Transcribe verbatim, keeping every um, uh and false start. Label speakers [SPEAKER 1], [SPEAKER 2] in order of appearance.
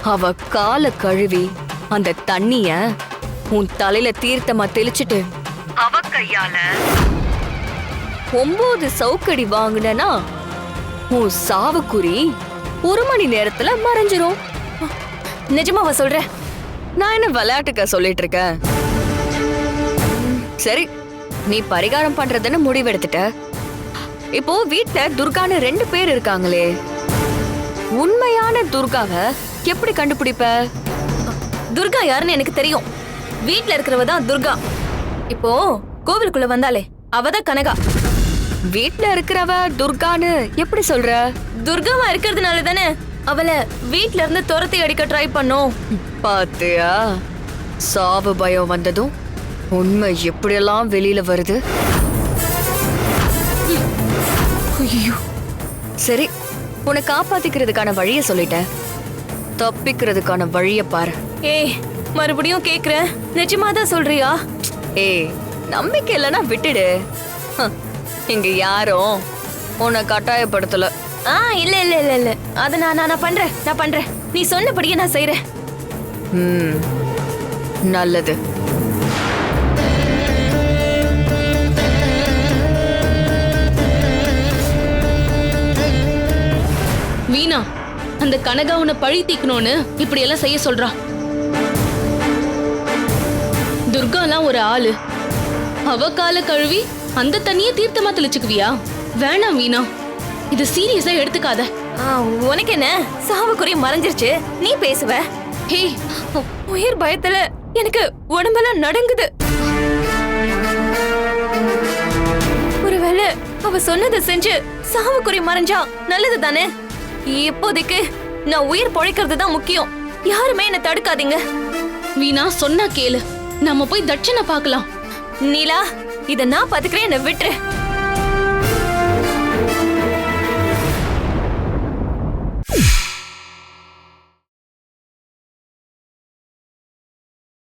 [SPEAKER 1] அவ கால கழுவி அந்த தண்ணிய உன் தலையில தீர்த்தமா தெளிச்சிட்டு அவ கையால ஒன்பது சவுக்கடி வாங்கினா உன் சாவுக்குறி ஒரு மணி நேரத்துல மறைஞ்சிரும்.
[SPEAKER 2] நிஜமாவா சொல்ற?
[SPEAKER 1] நான் என்ன விளையாட்டுக்க சொல்லிட்டு இருக்கேன்? சரி, நீ பரிகாரம் பண்றதுன்னு முடிவெடுத்துட்ட. இப்போ வீட்ல துர்கான்னு ரெண்டு பேர் இருக்காங்களே, உண்மையான துர்காவை எப்படி கண்டுபிடிப்ப?
[SPEAKER 2] துர்கா யாருன்னு எனக்கு தெரியும். வீட்ல இருக்கிறவ தான் துர்கா. இப்போ கோவிலுக்குள்ள வந்தாலே அவதான் கனகா.
[SPEAKER 1] வீட்ல இருக்கிறவ துர்கான்னு எப்படி சொல்ற?
[SPEAKER 2] துர்காவா இருக்கிறதுனால தானே அவளை வீட்ல இருந்து துரத்தி அடிக்க ட்ரை பண்ணோம்.
[SPEAKER 1] பாத்தியா, சாவு பயம் வந்ததும் உண்மை எப்படியெல்லாம் வெளியில வருது. ஐயோ, சரி, உன்னை காப்பாத்திக்கிறதுக்கான வழிய சொல்லிட்டேன். தப்பிக்கிறதுக்கான வழிய பாரு.
[SPEAKER 2] ஏய், மறுபடியும் கேக்குறேன், நிஜமாதான் சொல்றியா?
[SPEAKER 1] ஏய், நம்பிக்கை இல்லைன்னா விட்டுடு. ஹம், இங்க யாரும் உன்னை கட்டாயப்படுத்தல.
[SPEAKER 2] ஆ, இல்ல இல்ல இல்ல இல்ல அத நான் நான் பண்றேன் நான் பண்றேன் நீ சொன்னபடியே நான் செய்யறேன்.
[SPEAKER 1] ம், நல்லது.
[SPEAKER 3] வீணா, அந்த கனகா உன்னை பழி தீக்கணும்னு இப்படி எல்லாம் செய்ய சொல்றா. துர்காலாம் ஒரு ஆளு. அவ கால கழுவி அந்த தண்ணிய தீர்த்தமா தெளிச்சுக்குவியா? வேணாம் வீணா, இது சீரியஸா எடுத்துக்காத.
[SPEAKER 2] உனக்கு என்ன, சாவுக்குறி மறைஞ்சிருச்சு, நீ பேசுவ.
[SPEAKER 3] ஹே,
[SPEAKER 2] உயிர் பயத்துல எனக்கு உடம்பெல்லாம் நடுங்குது. ஒருவேளை அவ சொன்னதை செஞ்சு சாவுக்குறி மறைஞ்சா நல்லது தானே? இப்போதைக்கு நான் உயிர் பொழைக்கிறது தான் முக்கியம். யாருமே என்ன தடுக்காதீங்க.
[SPEAKER 3] வீணா, சொன்னா கேளு, நம்ம போய் தட்சணை பார்க்கலாம்.
[SPEAKER 2] நீலா, இத நான் பாத்துக்கிறேன், என்ன விட்டுரு.